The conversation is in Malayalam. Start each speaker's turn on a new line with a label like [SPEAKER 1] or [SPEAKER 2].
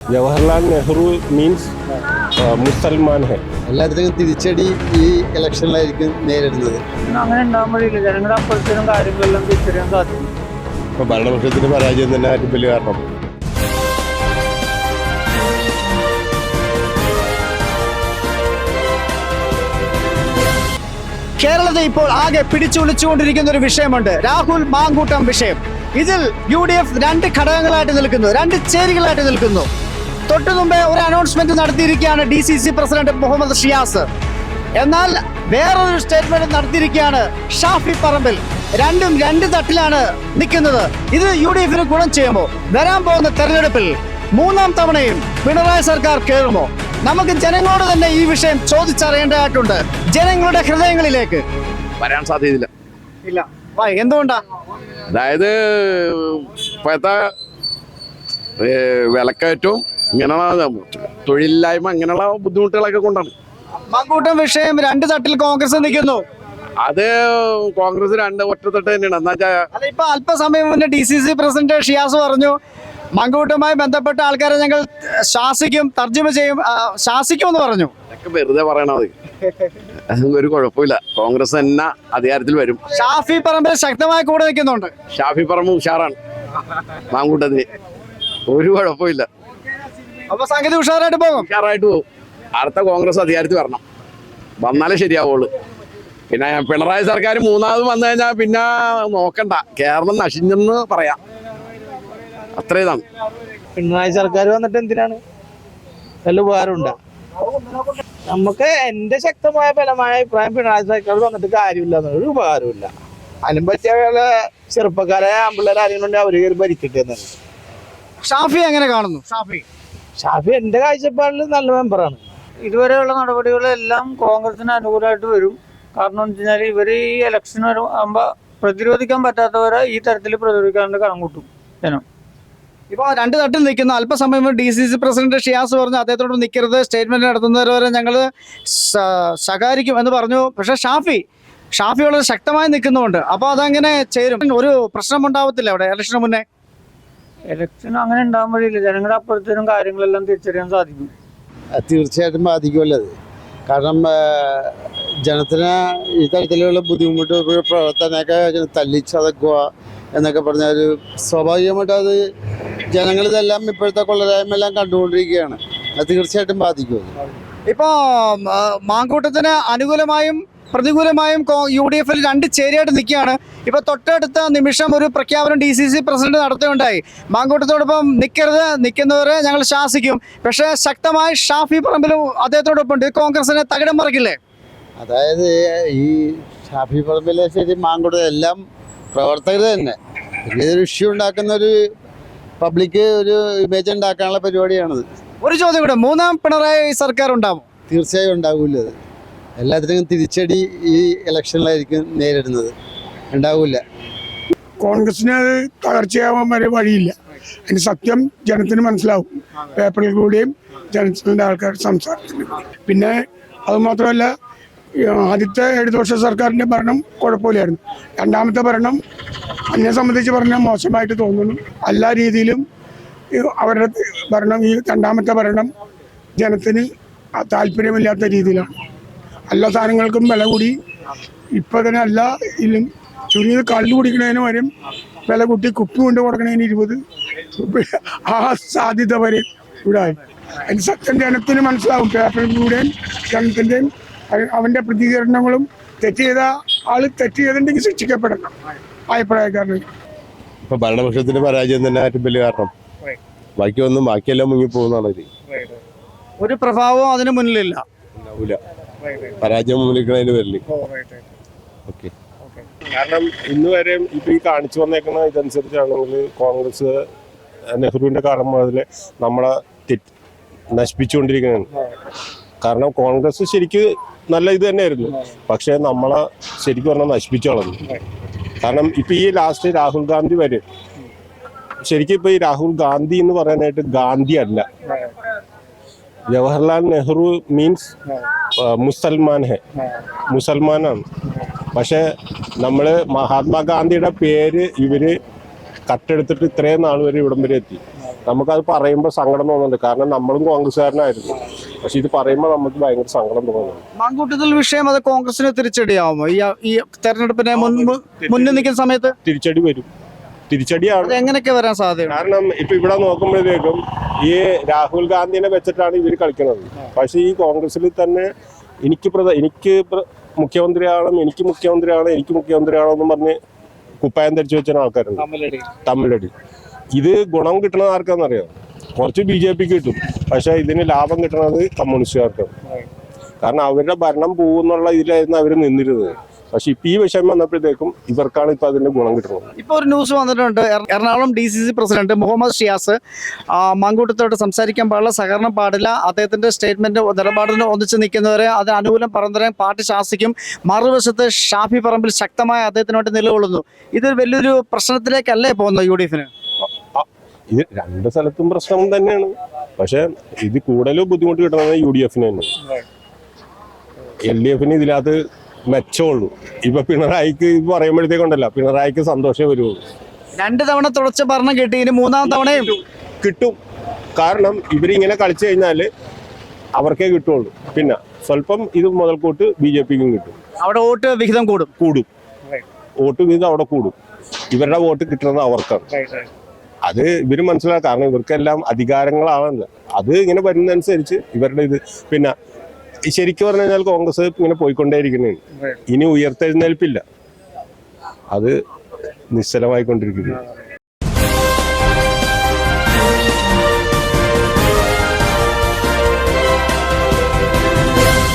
[SPEAKER 1] ജവഹർലാൽ നെഹ്റു മീൻസ് മുസൽമാൻ ഹെ.
[SPEAKER 2] എല്ലാത്തിനും തിരിച്ചടി ഈ ഇലക്ഷനിലായിരിക്കും നേരിടുന്നത്.
[SPEAKER 3] അങ്ങനെ ഉണ്ടാകാൻ വഴിയില്ല. ജനങ്ങളുടെ അപ്പുറത്തേനും കാര്യങ്ങളെല്ലാം തിരിച്ചറിയാൻ സാധിക്കും.
[SPEAKER 1] ഇപ്പൊ ഭരണപക്ഷത്തിന്റെ പരാജയം തന്നെ ഏറ്റവും വലിയ കാരണം.
[SPEAKER 4] കേരളത്തെ ഇപ്പോൾ ആകെ പിടിച്ചുവിളിച്ചുകൊണ്ടിരിക്കുന്ന ഒരു വിഷയമുണ്ട്, രാഹുൽ മാങ്കൂട്ടം വിഷയം. ഇതിൽ UDF രണ്ട് ഘടകങ്ങളായിട്ട് നിൽക്കുന്നു, രണ്ട് ചേരികളായിട്ട് നിൽക്കുന്നു. തൊട്ടു മുമ്പേ ഒരു അനൗൺസ്മെന്റ് നടത്തിയിരിക്കുകയാണ് DCC പ്രസിഡന്റ് മുഹമ്മദ് ഷിയാസ്. എന്നാൽ വേറൊരു സ്റ്റേറ്റ്മെന്റ് നടത്തിയിരിക്കുകയാണ് ഷാഫി പറമ്പിൽ. രണ്ടും രണ്ട് തട്ടിലാണ് നിൽക്കുന്നത്. ഇത് UDF-ന് ഗുണം ചെയ്യുമോ? വരാൻ പോകുന്ന തെരഞ്ഞെടുപ്പിൽ മൂന്നാം തവണയും പിണറായി സർക്കാർ കയറുമോ? നമുക്ക് ജനങ്ങളോട് തന്നെ ഈ വിഷയം ചോദിച്ചറിയേണ്ടതായിട്ടുണ്ട്. ജനങ്ങളുടെ ഹൃദയങ്ങളിലേക്ക്
[SPEAKER 5] വരാൻ സാധ്യതയില്ല.
[SPEAKER 4] ഇല്ല. എന്തുകൊണ്ടാ?
[SPEAKER 5] അതായത് ഇപ്പോഴത്തെ വിലക്കയറ്റവും ഇങ്ങനെയുള്ള തൊഴിലില്ലായ്മ ഇങ്ങനെയുള്ള ബുദ്ധിമുട്ടുകളൊക്കെ കൊണ്ടാണ്.
[SPEAKER 4] മാങ്കൂട്ടം വിഷയം രണ്ട് തട്ടിൽ കോൺഗ്രസ് നിൽക്കുന്നു.
[SPEAKER 5] അത് കോൺഗ്രസ് രണ്ട് ഒറ്റത്തട്ട് തന്നെയാണ്. എന്താ വെച്ചാൽ
[SPEAKER 4] ഇപ്പൊ അല്പസമയം മുന്നേ DCC പ്രസിഡന്റ് ഷിയാസ് പറഞ്ഞു, മാങ്കൂട്ടവുമായി ബന്ധപ്പെട്ട ആൾക്കാരെ ഞങ്ങൾ ശാസിക്കും, തർജ്ജമ ചെയ്യും, ശാസിക്കുമെന്ന് പറഞ്ഞു.
[SPEAKER 5] അതൊക്കെ വെറുതെ പറയണത്. ഒരു കുഴപ്പമില്ല, കോൺഗ്രസ് തന്നെ അധികാരത്തിൽ വരും.
[SPEAKER 4] ഷാഫി പറമ്പിൽ ശക്തമായി കൂടെ നിൽക്കുന്നുണ്ട്.
[SPEAKER 5] ഷാഫി പറമ്പ് ഉഷാറാണ്, മാങ്കൂട്ടത്തിന് ഒരു കുഴപ്പമില്ല.
[SPEAKER 4] അപ്പൊ സംഗതി ഉഷാറായിട്ട് പോകും.
[SPEAKER 5] ഉഷാറായിട്ട് പോകും. അടുത്ത കോൺഗ്രസ് അധികാരത്തിൽ വരണം, വന്നാലേ ശരിയാവുള്ളൂ. പിന്നെ പിണറായി സർക്കാർ മൂന്നാമത് വന്നു കഴിഞ്ഞാൽ പിന്നെ നോക്കണ്ട, കേരളം നശിഞ്ഞെന്ന് പറയാം. അത്ര ഇതാണ്.
[SPEAKER 3] പിണറായി സർക്കാർ വന്നിട്ട് എന്തിനാണ്? നല്ല ഉപകാരമുണ്ട് നമുക്ക്. എന്റെ ശക്തമായ ബലമായ അഭിപ്രായം, പിണറായി സർക്കാർ വന്നിട്ട് കാര്യമില്ല, ഒരു ഉപകാരമില്ല. അതിനും പറ്റിയ ചെറുപ്പക്കാരെ ആമ്പിള്ളേരെ ആരെങ്കിലും അവര് കയറി ഭരിക്കട്ടെ എന്നാണ്.
[SPEAKER 4] ഷാഫി എങ്ങനെ കാണുന്നു?
[SPEAKER 3] ഷാഫി എന്റെ കാഴ്ചപ്പാടിൽ നല്ല മെമ്പറാണ്. ഇതുവരെയുള്ള നടപടികളെല്ലാം കോൺഗ്രസിന് അനുകൂലമായിട്ട് വരും. കാരണം എന്ന് വെച്ചാൽ ഇവര് ഈ ഇലക്ഷൻ ആകുമ്പോ പ്രതിരോധിക്കാൻ പറ്റാത്തവരെ ഈ തരത്തിൽ പ്രതിരോധിക്കാണ്ട് കണം കൂട്ടും ജനം.
[SPEAKER 4] ഇപ്പൊ രണ്ട് തട്ടിൽ നിൽക്കുന്ന അല്പസമയം DCC പ്രസിഡന്റ് ഷിയാസ് പറഞ്ഞു അദ്ദേഹത്തോട് നിൽക്കരുത്, സ്റ്റേറ്റ്മെന്റ് നടത്തുന്നവരെ ഞങ്ങൾ ശകാരിക്കും എന്ന് പറഞ്ഞു. പക്ഷെ ഷാഫി വളരെ ശക്തമായി നിൽക്കുന്നുണ്ട്. അപ്പൊ അതങ്ങനെ ചേരും, ഒരു പ്രശ്നം ഉണ്ടാവത്തില്ല അവിടെ ഇലക്ഷന് മുന്നേ?
[SPEAKER 3] ഇലക്ഷൻ അങ്ങനെ ഉണ്ടാകാൻ വഴിയില്ല. ജനങ്ങളുടെ അപ്പുറത്തേനും കാര്യങ്ങളെല്ലാം തിരിച്ചറിയാൻ സാധിക്കും.
[SPEAKER 2] തീർച്ചയായിട്ടും ബാധിക്കുമല്ലോ അത്. കാരണം ജനത്തിന് ഈ തരത്തിലുള്ള ബുദ്ധിമുട്ട് പ്രവർത്തനമൊക്കെ തല്ലിച്ചതക്കുക എന്നൊക്കെ പറഞ്ഞാൽ സ്വാഭാവികമായിട്ട് അത് ജനങ്ങളിതെല്ലാം ഇപ്പോഴത്തെ കൊള്ളരായ്മയെല്ലാം കണ്ടുകൊണ്ടിരിക്കുകയാണ്. അത് തീർച്ചയായിട്ടും ബാധിക്കും.
[SPEAKER 4] ഇപ്പോ മാങ്കൂട്ടത്തിന് അനുകൂലമായും പ്രതികൂലമായും UDF-ൽ രണ്ട് ചേരിയായിട്ട് നിൽക്കുകയാണ്. ഇപ്പൊ തൊട്ടടുത്ത നിമിഷം ഒരു പ്രഖ്യാപനം DCC പ്രസിഡന്റ് നടത്തുകയുണ്ടായി. മാങ്കൂട്ടത്തോടൊപ്പം നിൽക്കരുത്, നിൽക്കുന്നവരെ ഞങ്ങൾ ശാസിക്കും. പക്ഷേ ശക്തമായി ഷാഫി പറമ്പിലും അദ്ദേഹത്തോടൊപ്പം ഉണ്ട്. കോൺഗ്രസിനെ തകിടം മറിക്കില്ലേ?
[SPEAKER 2] അതായത് ഈ ഷാഫി പറമ്പിലെ ശരി, മാങ്കൂട്ടം എല്ലാം പ്രവർത്തകർ തന്നെ. പിന്നെ ഇതൊരു ഇഷ്യൂ ഉണ്ടാക്കുന്ന ഒരു പബ്ലിക് ഒരു ഇമേജ് ഉണ്ടാക്കാനുള്ള പരിപാടിയാണത്.
[SPEAKER 4] ഒരു ചോദ്യം കൂടെ, മൂന്നാം പിണറായി സർക്കാർ ഉണ്ടാവും?
[SPEAKER 2] തീർച്ചയായും ഉണ്ടാവില്ല. അത് എല്ലാത്തിനും തിരിച്ചടി ഈ ഇലക്ഷനിലായിരിക്കും നേരിടുന്നത്. ഉണ്ടാവില്ല.
[SPEAKER 6] കോൺഗ്രസിന് അത് തകർച്ചയാവാൻ വരെ വഴിയില്ല. അതിന് സത്യം ജനത്തിന് മനസ്സിലാവും. പേപ്പറിൽ കൂടെയും ജനത്തിന്റെ ആൾക്കാർ സംസാരിക്കുന്നു. പിന്നെ അതുമാത്രമല്ല, ആദ്യത്തെ ഇടതുപക്ഷ സർക്കാരിൻ്റെ ഭരണം കുഴപ്പമില്ലായിരുന്നു. രണ്ടാമത്തെ ഭരണം എന്നെ സംബന്ധിച്ച് പറഞ്ഞാൽ മോശമായിട്ട് തോന്നുന്നു. എല്ലാ രീതിയിലും അവരുടെ ഭരണം, ഈ രണ്ടാമത്തെ ഭരണം ജനത്തിന് താല്പര്യമില്ലാത്ത രീതിയിലാണ്. എല്ലാ സാധനങ്ങൾക്കും വില കൂടി. ഇപ്പം തന്നെ എല്ലാ ഇതിലും ചുരുങ്ങിയത് കള്ളു കുടിക്കുന്നതിന് വരും വില കൂട്ടി. കുപ്പി കൊണ്ട് കൊടുക്കണതിന് 20. ആ സാധ്യത വരെ ഇവിടെ ആയി. അതിന് സത്യം ജനത്തിന് മനസ്സിലാവും. പേപ്പറിലൂടെയും ജനത്തിൻ്റെയും അവൻ്റെ പ്രതികരണങ്ങളും. തെറ്റ് ചെയ്ത ആൾ തെറ്റ് ചെയ്തിട്ടുണ്ടെങ്കിൽ ശിക്ഷിക്കപ്പെടണം അഭിപ്രായക്കാരന്.
[SPEAKER 1] ഇപ്പൊ ഭരണപക്ഷത്തിന്റെ പരാജയം തന്നെ ഏറ്റവും വലിയ കാരണം. ബാക്കിയെല്ലാം മുങ്ങിപ്പോകുന്നതാണ്.
[SPEAKER 4] ഒരു പ്രഭാവവും അതിന് മുന്നിലില്ല.
[SPEAKER 1] പരാജയം മുന്നിലിരിക്കണതിന് വരില്ല. ഓക്കെ. കാരണം ഇന്ന് വരെ ഇപ്പൊ ഈ കാണിച്ചു വന്നേക്കുന്ന ഇതനുസരിച്ചാണെങ്കിൽ കോൺഗ്രസ് നെഹ്റുവിന്റെ കാലം മുതൽ നമ്മളെ നശിപ്പിച്ചുകൊണ്ടിരിക്കുകയാണ്. കാരണം കോൺഗ്രസ് ശരിക്ക് നല്ല ഇത് തന്നെയായിരുന്നു, പക്ഷെ നമ്മളെ ശരിക്കും പറഞ്ഞാൽ നശിപ്പിച്ചു കളഞ്ഞു. കാരണം ഇപ്പൊ ഈ ലാസ്റ്റ് രാഹുൽ ഗാന്ധി വരെ ശരിക്കും ഇപ്പൊ ഈ രാഹുൽ ഗാന്ധി എന്ന് പറയാനായിട്ട് ഗാന്ധി അല്ല, ജവഹർലാൽ നെഹ്റു മീൻസ് മുസൽമാൻ ഹെ, മുസൽമാനാണ്. പക്ഷെ നമ്മള് മഹാത്മാഗാന്ധിയുടെ പേര് ഇവര് കട്ടെടുത്തിട്ട് ഇത്രയും നാൾ വരെ ഇവിടം വരെ എത്തി. നമുക്കത് പറയുമ്പോൾ സങ്കടം തോന്നുന്നുണ്ട്. കാരണം നമ്മളും കോൺഗ്രസ്സുകാരനായിരുന്നു. പക്ഷെ ഇത് പറയുമ്പോൾ നമുക്ക് ഭയങ്കര സങ്കടം തോന്നുന്നു.
[SPEAKER 4] മാങ്കൂട്ടത്തിൽ വിഷയം അത് കോൺഗ്രസിന് തിരിച്ചടിയാവുമോ ഈ തെരഞ്ഞെടുപ്പിനെ മുന്നിൽ നിൽക്കുന്ന സമയത്ത്?
[SPEAKER 1] തിരിച്ചടി വരും, തിരിച്ചടിയാണ്.
[SPEAKER 4] അത് എങ്ങനെയൊക്കെ വരാൻ സാധ്യത?
[SPEAKER 1] കാരണം ഇപ്പൊ ഇവിടെ നോക്കുമ്പോഴത്തേക്കും ഈ രാഹുൽ ഗാന്ധിനെ വെച്ചിട്ടാണ് ഇവർ കളിക്കുന്നത്. പക്ഷെ ഈ കോൺഗ്രസിൽ തന്നെ എനിക്ക് മുഖ്യമന്ത്രിയാവണം, എനിക്ക് മുഖ്യമന്ത്രിയാവണം എന്ന് പറഞ്ഞ് കുപ്പായം ധരിച്ചു വെച്ച ആൾക്കാരുണ്ട്. തമ്മിലടി. ഇത് ഗുണം കിട്ടണത് ആർക്കാന്നറിയാം? കുറച്ച് BJP കിട്ടും, പക്ഷെ ഇതിന് ലാഭം കിട്ടണത് കമ്മ്യൂണിസ്റ്റുകാർക്കാണ്. കാരണം അവരുടെ ഭരണം പോകുന്നുള്ള ഇതിലായിരുന്നു അവർ നിന്നിരുന്നത്. പക്ഷെ ഇപ്പൊ ഈ വിഷയം വന്നപ്പോഴത്തേക്കും ഇവർക്കാണ് ഇപ്പൊ അതിന്റെ ഗുണം കിട്ടുന്നത്.
[SPEAKER 4] ഇപ്പൊ ഒരു ന്യൂസ് വന്നിട്ടുണ്ട്, എറണാകുളം DCC പ്രസിഡന്റ് മുഹമ്മദ് ഷിയാസ് മാങ്കൂട്ടത്തോട് സംസാരിക്കാൻ പാടില്ല, സഹകരണം പാടില്ല, അദ്ദേഹത്തിന്റെ സ്റ്റേറ്റ്മെന്റ് നിലപാടിന് ഒന്നിച്ച് നിൽക്കുന്നവരെ അത് അനുകൂലം പറഞ്ഞുതരാൻ പാർട്ടി ശാസിക്കും. മറുവശത്ത് ഷാഫി പറമ്പിൽ ശക്തമായ അദ്ദേഹത്തിനോട്ട് നിലകൊള്ളുന്നു. ഇത് വലിയൊരു പ്രശ്നത്തിലേക്കല്ലേ പോകുന്നത് UDF-ന്?
[SPEAKER 1] ഇത് രണ്ട് സ്ഥലത്തും പ്രശ്നം തന്നെയാണ്. പക്ഷെ ഇത് കൂടുതലും ബുദ്ധിമുട്ട് കിട്ടുന്നത് UDF-ന് തന്നെ. LDF-ന് ഇതിനകത്ത് മെച്ചമുള്ളൂ. ഇപ്പൊ പിണറായിക്ക് ഇത് പറയുമ്പോഴത്തേക്കുണ്ടല്ല, പിണറായിക്ക് സന്തോഷമേ വരുള്ളൂ.
[SPEAKER 4] 2 തവണ തുടർച്ച ഭരണം കിട്ടി, ഇനി 3-ാം തവണയും
[SPEAKER 1] കിട്ടും. കാരണം ഇവരിങ്ങനെ കളിച്ചു കഴിഞ്ഞാൽ അവർക്കേ കിട്ടുള്ളൂ. പിന്നെ സ്വല്പം ഇത് മുതൽക്കൂട്ട് BJP-ക്കും കിട്ടും.
[SPEAKER 4] അവിടെ വോട്ട് വിഹിതം കൂടും.
[SPEAKER 1] വോട്ട് വിഹിതം അവിടെ കൂടും. ഇവരുടെ വോട്ട് കിട്ടുന്നത് അവർക്കാണ്. അത് ഇവര് മനസ്സിലാക്കാം. കാരണം ഇവർക്കെല്ലാം അധികാരങ്ങളാണല്ലോ. അത് ഇങ്ങനെ വരുന്നതനുസരിച്ച് ഇവരുടെ ഇത് പിന്നെ ശരിക്കും പറഞ്ഞു കഴിഞ്ഞാൽ കോൺഗ്രസ് ഇങ്ങനെ പോയിക്കൊണ്ടേയിരിക്കുന്നതാണ്. ഇനി ഉയർത്തെഴുന്നേൽപ്പില്ല, അത് നിശ്ചലമായിക്കൊണ്ടിരിക്കുന്നു.